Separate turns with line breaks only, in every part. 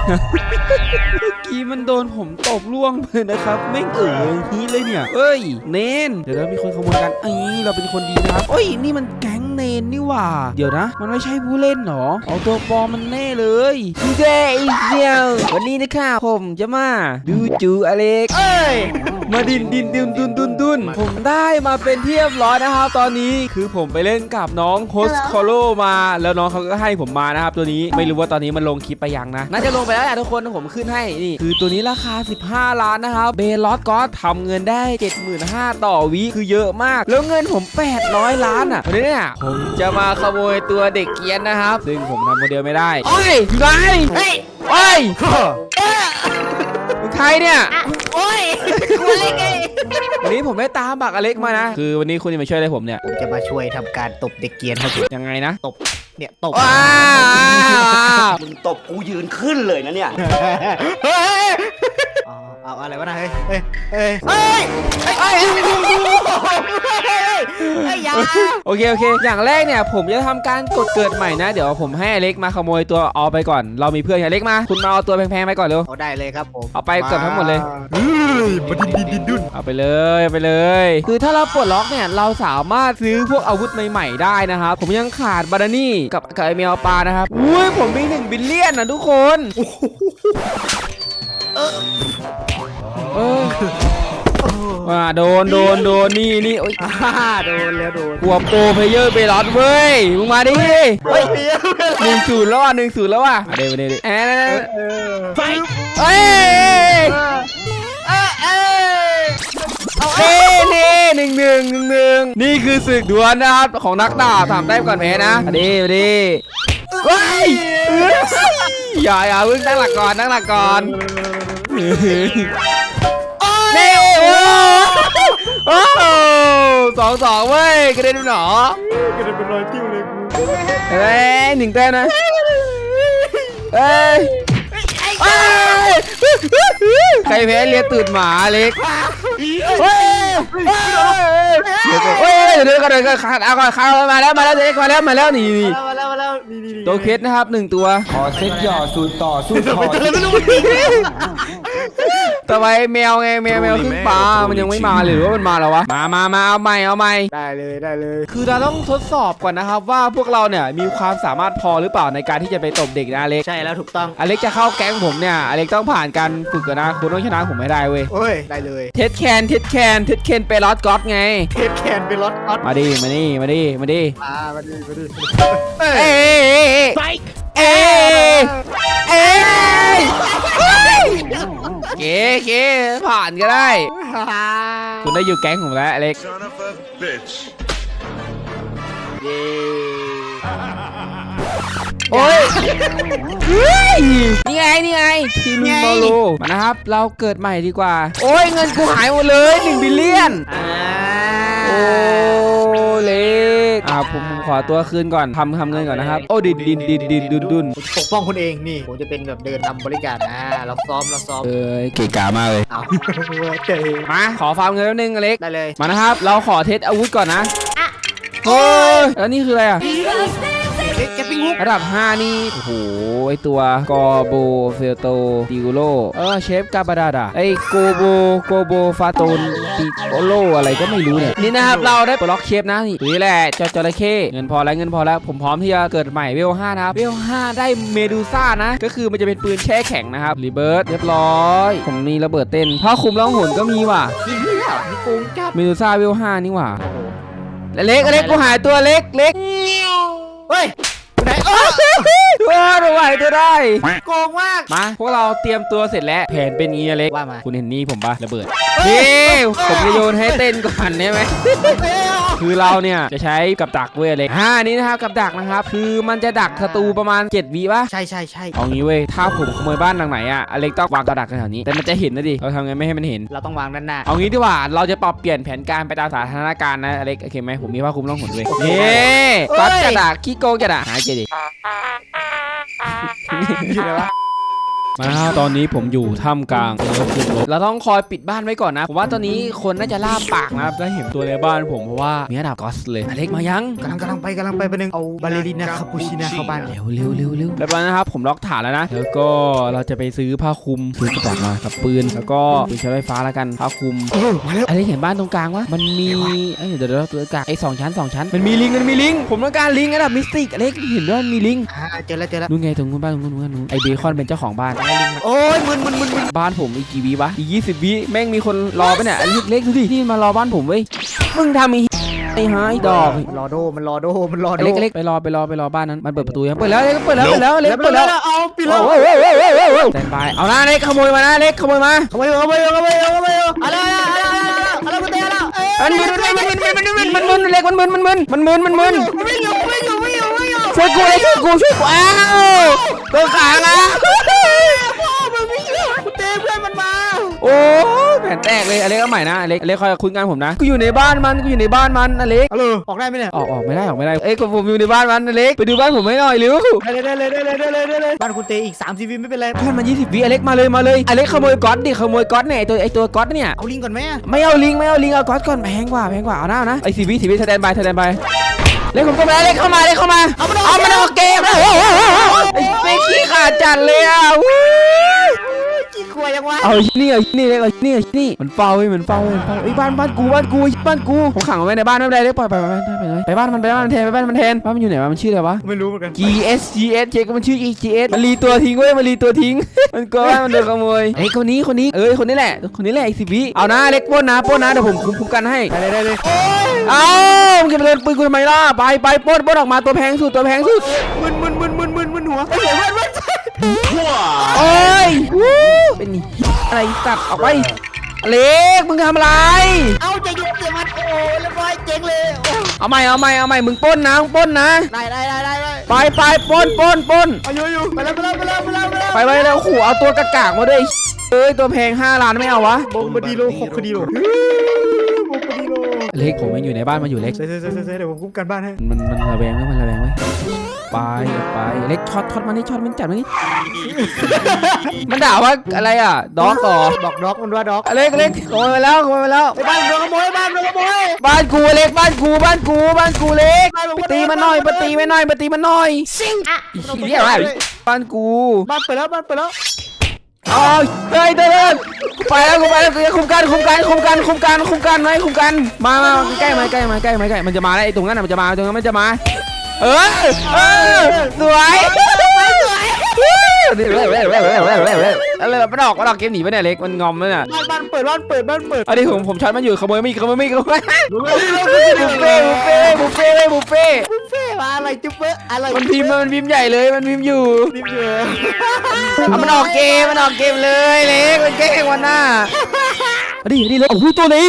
เมื่อกี้มันโดนผมตบล่วงเลยนะครับไม่นี้เลยเนี่ยเอ้ยเนนเดี๋ยวมีคนขโมยกันเราเป็นคนดีนะครับเอ้ยนี่มันแก๊งเนนนี่หว่าเดี๋ยวนะมันไม่ใช่ผู้เล่นหรอเอาตัวปลอมมันแน่เลยดีเจอีเซียววันนี้นะครับผมจะมาดูจูอเล็กมาดินดุนผมได้มาเป็นเทียบร้อยนะครับตอนนี้คือผมไปเล่นกับน้องโฮสคอโลมาแล้วน้องเขาก็ให้ผมมานะครับตัวนี้ไม่รู้ว่าตอนนี้มันลงคลิปไปยังนะน่าจะลงไปแล้วแหละทุกคนผมขึ้นให้นี่คือตัวนี้ราคา15 ล้านนะครับเบลอสก็ทำเงินได้ 75,000 ต่อวิคือเยอะมากแล้วเงินผม800 ล้านอ่ะวันนี้เนี่ยผมจะมาขโมยตัวเด็กเกียนนะครับซึ่งผมทำโมเดลไม่ได้โอ้ยไงเฮ้ยใครเนี่ย
โอ้ยกูเล็กไง
วันนี้ผมได้ตามบักอเล็กมานะคือวันนี้คุณจะมาช่วยอะไรผมเนี่ย
ผมจะมาช่วยทำการตบเด็กเกียร์ให้คุณ
ยังไงนะ
ตบเนี่ยตบ
มึงตบกูยืนขึ้นเลยนะเนี่ย
เอาอะไรวะนะเฮ้ยอย่า
โอเคอย่างแรกเนี่ยผมจะทำการกดเกิดใหม่นะเดี๋ยวผมให้อเล็กมาขโมยตัวเอาไปก่อนเรามีเพื่อนอเล็กมาคุณมาเอาตัวแพงๆไปก่อนเร็ว
เอาได้เลยครับผม
เอาไปเกือบทั้งหมดเลย
มาดิน
เอาไปเลยคือถ้าเราปลดล็อกเนี่ยเราสามารถซื้อพวกอาวุธใหม่ๆได้นะครับผมยังขาดบารานี่กับไอเมลปลานะครับอุ้ยผมมี1 บิลเลียนนะทุกคนว่าโดนนี่โอ๊ย
โดนแล้ว
กลัวโปรเพเยอร์ไปรอดเว้ยมึงมาดิเฮ้ย1-0แล้วอ่ะ1-0แล้วอ่ะเดี๋ยวเฮ้ยนี่1-1นี่คือศึกดวลนะครับของนักดาบ3 แต้มก่อนแพ้นะดิเฮ้ยอย่าเพิ่งตั้งหลักก่อนนี่โอ้2-2เว้ยกระเด็นหนอกระเด็นเป็นรอยจิ้วเลยกู1 แต้มนะใครแพ้เลียตูดหมาเล็กเดี๋ยวกันขาดเอาก่อนขามาแล้วเด็กมาแล้วนี่ตัวเคสนะครับ1 ตัว
ขอเซ็ตหย่อสูตรต่อสู้ต่อ
ต่อไปแมวไงแมวขึ้นปลามันยังไม่มาหรือว่ามันมาแล้ววะมาเอาใหม่
ได้เลย
คือเราต้องทดสอบก่อนนะครับว่าพวกเราเนี่ยมีความสามารถพอหรือเปล่าในการที่จะไปตบเด็กนะอเล็ก
ใช่แล้วถูกต้อง
อเล็กจะเข้าแก๊งผมเนี่ยอเล็กต้องผ่านการฝึกกันนะคุณต้องชนะผมไม่ได้เว้ย
ได้เลย
เท็ดแคนไปลอสก๊อตไง
เท็ดแคนไปลอสก๊อต
มาดิเก๋ผ่านก็ได้คุณได้อยู่แก๊งผมแล้วอเล็กโอ้ยนี่ไงทีมบอลลูมานะครับเราเกิดใหม่ดีกว่าโอ้ยเงินกูหายหมดเลย1 บิลเลียนโอ้เล็กผมขอตัวคืนก่อนทำเงินก่อนนะครับโอ้ดินดุน
ปกป้องคนเองนี่ผมจะเป็นแบบเดินนำบริการเราซ้อม
เก๋กามากเลยมาขอฟาร์มเงินแป๊บนึงอเล็ก
ได้เลย
มานะครับเราขอเทสอาวุธก่อนนะโอ้ยแล้วนี่คืออะไรอ่ะระดับ5นี่โอ้โหไอตัวกอโบเฟลโตดิโกโลเชฟกาบาดาดาไอโกโบฟาโตนดิโกโลอะไรก็ไม่รู้เนี่ยนี่นะครับเราได้ปลดล็อกเชฟนะนี่แหละจระเข้เงินพอแล้วผมพร้อมที่จะเกิดใหม่เวล5นะครับเวล5ได้เมดูซ่านะก็คือมันจะเป็นปืนแช่แข็งนะครับรีเบิร์ตเรียบร้อยผมมีระเบิดเต้นผ้าคลุมล่องหนก็มีว่ะ
นี่โกงจัด
เมดูซ่าเวล5นี่ว่ะเล็กกูหายตัวเล็ก
เฮ้ยไหน
เราไหวตัวได้
โกงมาก
มาพวกเราเตรียมตัวเสร็จแล้วแผนเป็นงี้เล็ก
ว่ามา
คุณเห็นนี่ผมปะระเบิดนี่ผมจะโยนให้เต้นก่อนได้ไหมคือเราเนี่ยจะใช้กับดักเว้ยเล็กนี่นะครับกับดักนะครับคือมันจะดักศัตรูประมาณ7 วิป่ะ
ใช่
เอางี้เว้ยถ้าผมขโมยบ้านหลังไหนอ่ะอเล็กต้องวางกับดักแถวนี้แต่มันจะเห็นนะดิเราทำไงไม่ให้มันเห็น
เราต้องวางด้านหน้า
เอางี้ดีกว่าเราจะปรับเปลี่ยนแผนการไปตามสถานการณ์นะอเล็กโอเคไหมผมมีผ้าคลุมล่องหนด้วยนี่กัดกระดาษขี้โกงกระดาษหายเจดิ
อยู่ไหนวะ
มาตอนนี้ผมอยู่ท่ามกลางเราต้องคอยปิดบ้านไว้ก่อนนะผมว่าตอนนี้คนน่าจะล่าปากนะครับได้เห็นตัวในบ้านผมเพราะว่ามีระดับกอสเลยอเล็กมายัง
กำลังไปประหนึ่งเอาบาเลรินาคาปูชิน่าเข้าบ้าน
เร็วเรียบร้อยนะครับผมล็อกฐานแล้วนะแล้วก็เราจะไปซื้อผ้าคลุมซื้อกระบอกมากับปืนแล้วก็ปืนใช้ไฟฟ้าแล้วกันผ้าคลุม
มาแล้ว
อเล็กเห็นบ้านตรงกลางวะมันมีเดี๋ยวตัวกลางไอ้2 ชั้นมันมีลิงผมต้องการลิงระดับมิสติกอเล็กเห็นด้วยมันมีลิง
เจอแล้ว
นู่นไงตรงนู้นบ้านตรงนู้นไอเบคอนเป็นเจ้าของบ้าน
โอ้ยมึน
บ้านผมอีกกี่วิวะอีก20 วิแม่งมีคนรอไปเนี่ยเล็กดูดิที่มารอบ้านผมเว้ยมึงทำไอ้หายดอก
รอโดมันรอโด
เล็กไปรอบ้านนั้นมันเปิดประตูยังเปิดแล้วเปิดแล้ว
เอาปิดแล้ว
แต่ไปเอานะเล็กขโมยมานะเล็กขโมยมา
อะไรกูเตะแล้ว
มันมึนเล็กมันมึน
ไม่อยู่
ช่วยกูอ้าวตัวขานะ
พ่อมันไม่อยู่กูเตะเพื่อนมันมา
โอ้แผ่นแตกเลยอเล็กเอาใหม่นะอเล็กคอยคุยงานผมนะกูอยู่ในบ้านมันอเล็ก
ออกได้ไหมเนี่ย
ออกไม่ได้เอ้ยผมอยู่ในบ้านมันอเล็กไปดูบ้านผมให้หน่อยเร็ว
ได้บ้านคุณเตะอีก30 วิไม่เป็นไร
เพื่อนมัน20 วิอเล็กมาเลยอเล็กขโมยก๊อตเนี่ยไอตัวก๊อตเนี่ย
เอาลิงก่อนไหม
ไม่เอาลิงเอาก๊อตก่อนแพงกว่าเอาหน้านะไอ้10 วิสแตนบายเล็กผมก็มาเล็กเข้ามาเอามันออกเกมไอ้เฟกขี้ขาดจัดเลยอ่ะ
กี่ขวดยังวะ
เอานี่มันเฝ้าไอ้บ้านกูผมขังเอาไว้ในบ้านไม่เป็นไรเล็กปล่อยไปบ้านมันแทนบ้านมันอยู่ไหนวะมันชื่ออะไรวะ
ไม่รู้เหมือนกัน
GS เช็คมันชื่อ GS มันรีตัวทิ้งเว้ยมันก็มันโดนขโมยไอ้คนนี้คนนี้แหละไอ้10 วิเอานะเล็กป้นนะเดี๋ยวผมคุ้มกันให้
ได้
เอามึงจะมาเดินปืนกูทำไมล่ะไปปล้นออกมาตัวแพงสุด
มึนหัวเสียเพื่อน
โอ้ยเป็นอะไรตัดออกไปเล็กมึงทำอะไร
เอาจะหยุดเสียมันโอ้เรียบร้อยเจ๊งเลย
เอาใหม่มึงปล้นนะ
ได้
ไปปล้น
เอาอยู่ไปแล้ว
ไปแล้วขู่เอาตัวกากมาด้วยตัวแพง5 ล้านไม่เอาวะ
บงบดีโล6 คดีโล
เล็กผมยังอยู่ในบ้านมันอยู่เล็ก
เดี๋ยวผมคุ้มกันบ้านให้
มันระแวงไว้ไปเล็กช็อตมันนี่จัดมันนี่มันด่าว่าอะไรอ่ะด็อก
บอกด็อกมันว่าด็อก
เล็กขโมยไปแล้ว
บ้านโดนขโมย
บ้านกูเล็กบ้านกูเล็กไปตีมันหน่อยซิงเรียกอะไรบ้านกู
บ้านเปิดแล้ว
อ๋อเฮ้ยเดินไปแล้วกูคุมกันไหมมาใกล้มันจะมาแล้วไอ้ตรงนั้นมันจะมาสวยอะไรมันออกเกมหนีไปเนี่ยเล็กมันงอมเลยน่ะ
บ้านเปิด
อันนี้ผมช็อตมันอยู่ขโมยไม่บุฟเฟ่
มาอะไรจุ๊บเป๊ะอะไร
มันพิมพ์ใหญ่เลยมันพิมพ์อยู่มันออกเกมเลยเล็กมันแกล้งวันหน้าดิเลยโอ้โหตัวนี้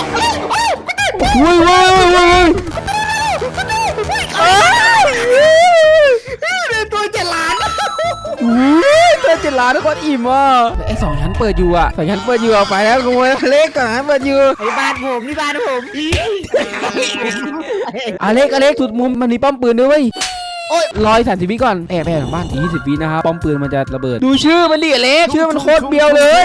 ว้าว
ตัว7 ล้าน
ตัว7 ล้านทุกคนอิ่มอ่ะไอ้2 ชั้นเปิดอยู่เอาไปแล้วขโมยเล็กก่อนเปิดอยู่
ไอ้บ้านผมนี่บ้านผม
เล็กสุดมุมมันมีป้อมปืนด้วยเว้ย130 วิก่อนแอบหลังบ้าน20 วินะครับป้อมปืนมันจะระเบิดดูชื่อมันดิเล็กชื่อมันโคตรเบียวเลย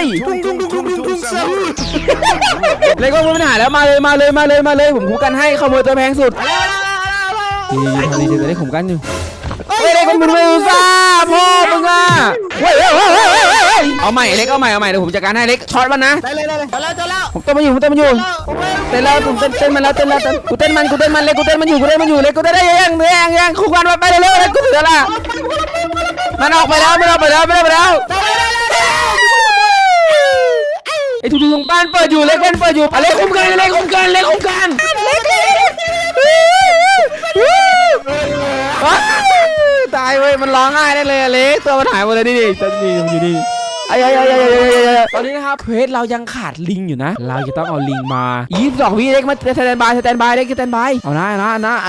เล็กก็ไม่หายแล้วมาเลยผมคุ้มกันให้ขโมยตัวแพงสุดดีเลยผมกันอยู่เล็กมึงไม่รู้ซ่าพ่อมึงอ่ะเอาใหม่เล็กเดี๋ยวผมจัดการให้เล็กช็อตมันนะ
ได้เลย
ผมเต้นมันอยู่เต้นแล้วผมเต้นมันกูเต้นมันเล็กกูเต้นมันอยู่เล็กกูเต้นได้ยังคู่กันไปเร็วเล็กกูถือละมันออกไปแล้วไอ้ทุกบ้านเปิดอยู่เล็กคุ้มกันตายเว้ยมันร้องไห้ได้เลยเล็กตัวมันหายหมดเลยนี่อยู่นี่ตอนนี้นะครับเพจเรายังขาดลิงอยู่นะเราจะต้องเอาลิงมา22 วิเล็กมาสแตนบายเล็กสแตนบายเอานะ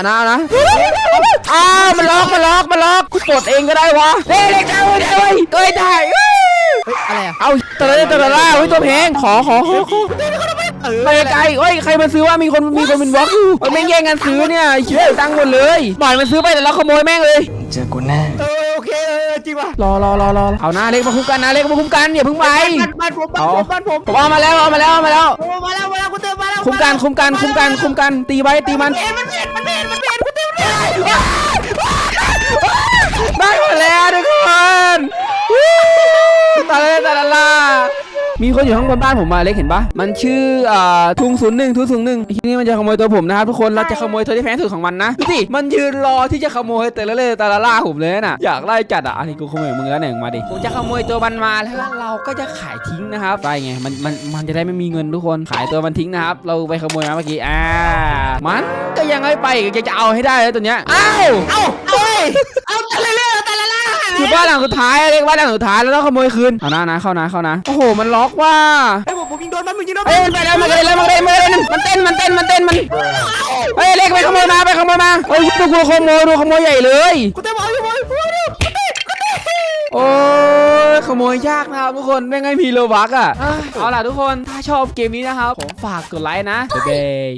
มันล็อกกูปลดเองก็ได้วะเล็กได้เว้ยได้
อะไรอ่ะ
เอาตัวละตัวแพงขอไปไกลใครมาซื้อว่ามีคนเป็นบล็อกอยู่มันไม่แย่งกันซื้อเนี่ยเชื่อตั้งหมดเลยบ่อยมันซื้อไปแต่เราขโมยแม่งเลย
เจอกูแน่
โอเคจริงว่ะ
รอเอานะเล็กมาคุ้มกันนะเล็กมาคุ้มกันอย่าเพิ่งไป
บ้านผม
ผมเอามาแล้ว
มาแล้วคุณเติมมาแล้ว
คุ้มกันตีไว้ตีมัน
มันเปลี่ยน
ได้หมดแล้วทุกคนตาลามีคนอยู่ข้างบนบ้านผมมาเล็กเห็นปะมันชื่อทุง01ทีนี้มันจะขโมยตัวผมนะครับทุกคนเราจะขโมยตัวที่แพงสุดของมันนะดูสิมันยืนรอที่จะขโมยแต่ละตาลาผมเลยน่ะอยากไล่จัดอ่ะอันนี้กูขโมยมึงแล้วเนี่ยมาดิผมจะขโมยตัวมันมาแล้วเราก็จะขายทิ้งนะครับได้ไงมันจะได้ไม่มีเงินทุกคนขายตัวมันทิ้งนะครับเราไปขโมยมาเมื่อกี้มันก็ยังไม่ไปจะเอาให้ได้เลยตัวเนี้ยเอาแต่ละล่าคือบ้านหลังสุดท้ายเรียกบ้านหลังสุดท้ายแล้วต้องขโมยคืนเอานะเข้านะโอ้โหมันล็อกว่า
ผมยิงโดนมันยิงโดน
เฮ้ยมันไปแล้วมันเต้นเฮ้ยเล็กไปขโมยมาเฮ้ยดูขโมยใหญ่เลย
คุณเติมเอาอยู่บน
โอ้ยขโมยยากนะครับทุกคนไม่งั้นมีโลบักอ่ะเอาล่ะทุกคนถ้าชอบเกมนี้นะครับผมฝากกดไลค์นะบ๊ายบาย